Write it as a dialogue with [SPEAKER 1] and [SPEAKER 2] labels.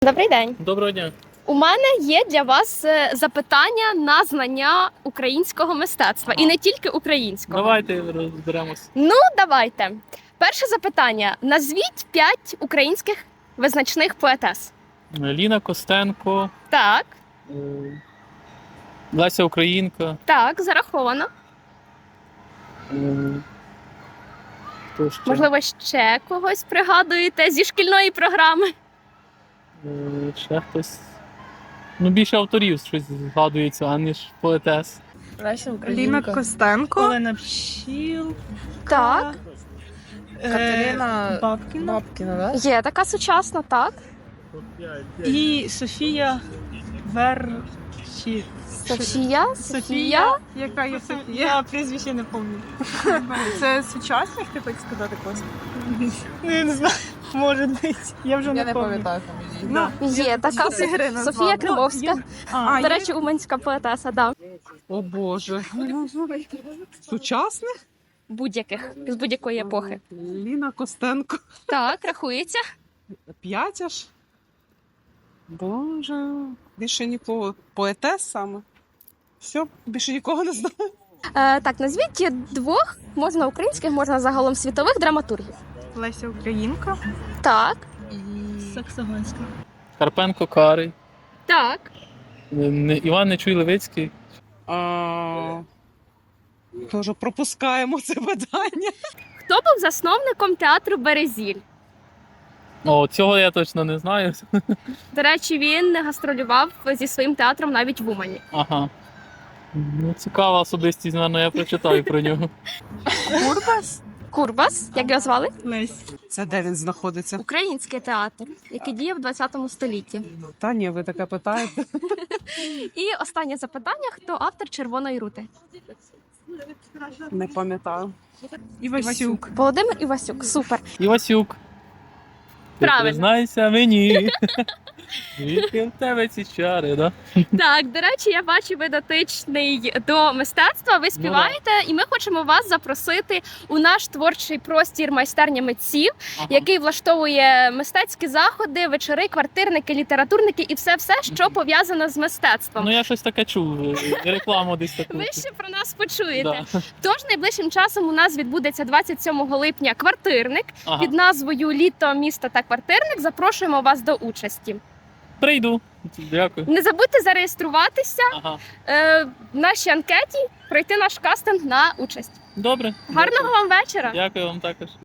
[SPEAKER 1] Добрий день.
[SPEAKER 2] Доброго дня.
[SPEAKER 1] У мене є для вас запитання на знання українського мистецтва. І не тільки українського.
[SPEAKER 2] Давайте розберемось.
[SPEAKER 1] Ну, давайте. Перше запитання. Назвіть 5 українських визначних поетес.
[SPEAKER 2] Ліна Костенко,
[SPEAKER 1] Так,
[SPEAKER 2] Леся Українка.
[SPEAKER 1] так, зараховано.
[SPEAKER 2] Хто ще?
[SPEAKER 1] Можливо, ще когось пригадуєте зі шкільної програми.
[SPEAKER 2] Ще хтось. Ну, більше авторів щось згадується, аніж поетес.
[SPEAKER 3] Леся
[SPEAKER 4] Ліна
[SPEAKER 3] Українка,
[SPEAKER 4] Костенко,
[SPEAKER 3] Олена Пчіл,
[SPEAKER 1] Так,
[SPEAKER 3] Катерина
[SPEAKER 4] Бабкіна.
[SPEAKER 3] Бабкіна,
[SPEAKER 1] є така сучасна, так.
[SPEAKER 3] і Софія Верчі.
[SPEAKER 1] Софія.
[SPEAKER 4] Яка є Софія?
[SPEAKER 3] Я прізвище не пам'ятаю.
[SPEAKER 4] Це сучасник, ти хочеш сказати, Костя?
[SPEAKER 3] Ну, я не знаю, може бути. Я вже
[SPEAKER 5] Я
[SPEAKER 3] не пам'ятаю.
[SPEAKER 5] фамілію.
[SPEAKER 1] Є така Софія Кривовська.
[SPEAKER 3] А,
[SPEAKER 1] До речі, уманська поетеса, да.
[SPEAKER 4] О Боже. Сучасник?
[SPEAKER 1] Будь-яких, з будь-якої епохи.
[SPEAKER 4] Ліна Костенко.
[SPEAKER 1] Так, рахується.
[SPEAKER 4] 5 аж? Боже. Більше нікого. Поетес саме. Все, більше нікого не знаю.
[SPEAKER 1] Так, назвіть 2, можна українських, можна загалом світових драматургів.
[SPEAKER 4] Леся Українка.
[SPEAKER 1] Так,
[SPEAKER 3] Саксофонська.
[SPEAKER 2] Карпенко Карий.
[SPEAKER 1] так.
[SPEAKER 2] Іван Нечуй Левицький.
[SPEAKER 4] Тоже пропускаємо це питання.
[SPEAKER 1] Хто був засновником театру Березіль?
[SPEAKER 2] О, цього я точно не знаю.
[SPEAKER 1] До речі, він гастролював зі своїм театром навіть в Умані.
[SPEAKER 2] Ага. Ну, цікава особистість, напевно, я прочитаю про нього.
[SPEAKER 4] Курбас?
[SPEAKER 1] Курбас, як його звали?
[SPEAKER 3] Лесь.
[SPEAKER 4] Це де він знаходиться?
[SPEAKER 1] Український театр, який діяв в 20 столітті.
[SPEAKER 4] Та ні, ви таке питаєте.
[SPEAKER 1] І останнє запитання: хто автор Червоної рути?
[SPEAKER 4] Не пам'ятаю.
[SPEAKER 3] Івасюк.
[SPEAKER 1] Володимир Івасюк. Супер.
[SPEAKER 2] Івасюк. Ти
[SPEAKER 1] Правильно.
[SPEAKER 2] признайся мені. Звідки в тебе ці чари, да?
[SPEAKER 1] Так, до речі, я бачу, ви дотичний до мистецтва. Ви співаєте, і ми хочемо вас запросити у наш творчий простір майстерня митців,
[SPEAKER 2] Ага.
[SPEAKER 1] який влаштовує мистецькі заходи, вечори, квартирники, літературники і все, що пов'язано з мистецтвом.
[SPEAKER 2] Ну, я щось таке чув, рекламу десь таку.
[SPEAKER 1] Ви ще про нас почуєте.
[SPEAKER 2] Да.
[SPEAKER 1] Тож найближчим часом у нас відбудеться 27 липня квартирник
[SPEAKER 2] Ага.
[SPEAKER 1] під назвою Літо, місто та квартирник. Запрошуємо вас до участі.
[SPEAKER 2] Прийду. Дякую.
[SPEAKER 1] Не забудьте зареєструватися
[SPEAKER 2] Ага.
[SPEAKER 1] в нашій анкеті, пройти наш кастинг на участь.
[SPEAKER 2] Добре.
[SPEAKER 1] Гарного вам вечора!
[SPEAKER 2] Дякую вам також.